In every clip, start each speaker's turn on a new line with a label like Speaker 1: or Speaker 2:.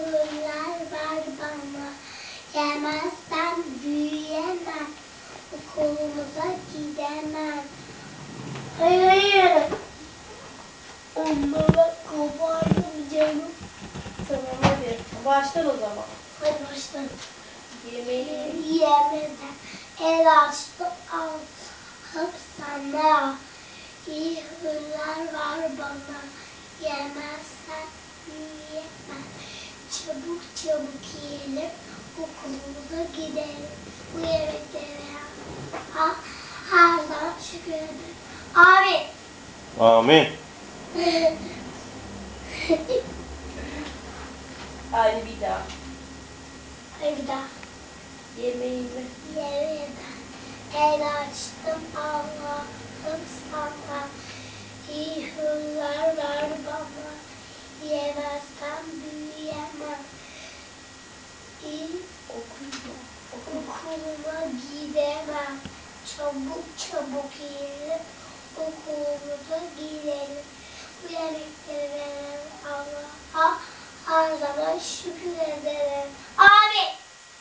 Speaker 1: hırlar var bana. Yemezsem büyüyemem. Okulumuza gidemem. Hayır. Onlara kopardım canım.
Speaker 2: Tamam hadi. Başlar o zaman.
Speaker 1: Hadi başla.
Speaker 2: Yemeği
Speaker 1: Yemeden el açtı altım sana. İyi hırlar var bana. Yemezsen yiyemem. Çabuk çabuk yiyelim. Okulumuza gidelim. Bu yemeklere her zaman şükredelim. Abi.
Speaker 3: Amin.
Speaker 2: hadi bir daha.
Speaker 1: Hadi bir daha.
Speaker 2: Yemeğimi
Speaker 1: Yemeden el açtım Allah'ım sana. İyi hırlar var bana. Yemezsem büyüyemem. İyi okuluma gidemem. Çabuk çabuk yiyelim. Okulumuza gidelim. Bu yemekleri veren Allah'a her zaman şükür ederim. Abi.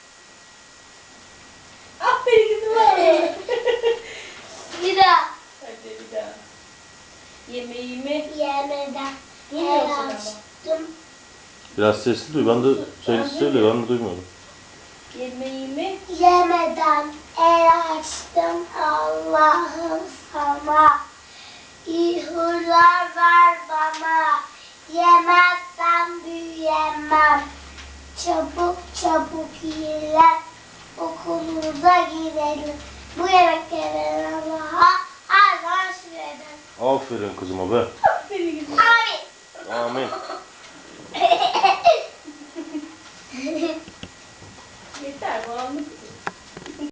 Speaker 2: aferin kızım.
Speaker 1: Bir daha.
Speaker 2: Hadi bir daha. Yemeğimi
Speaker 1: Yemeden
Speaker 2: Duymuyorsun
Speaker 1: el
Speaker 2: ama.
Speaker 1: açtım.
Speaker 3: Biraz sesli duy. Ben de söyle. Ben de duymuyorum.
Speaker 2: yemeğimi
Speaker 1: Yemeden el açtım Allah'ım sana. İyi hırlar ver bana. Yemezsem büyüyemem. Çabuk çabuk yiyelim. Okulumuza gidelim. Bu yemekleri Allah'a her zaman şükredelim.
Speaker 3: Aferin kızıma be.
Speaker 2: aferin kızım.
Speaker 1: Abi.
Speaker 3: Amin.
Speaker 2: Yeter bu anlık.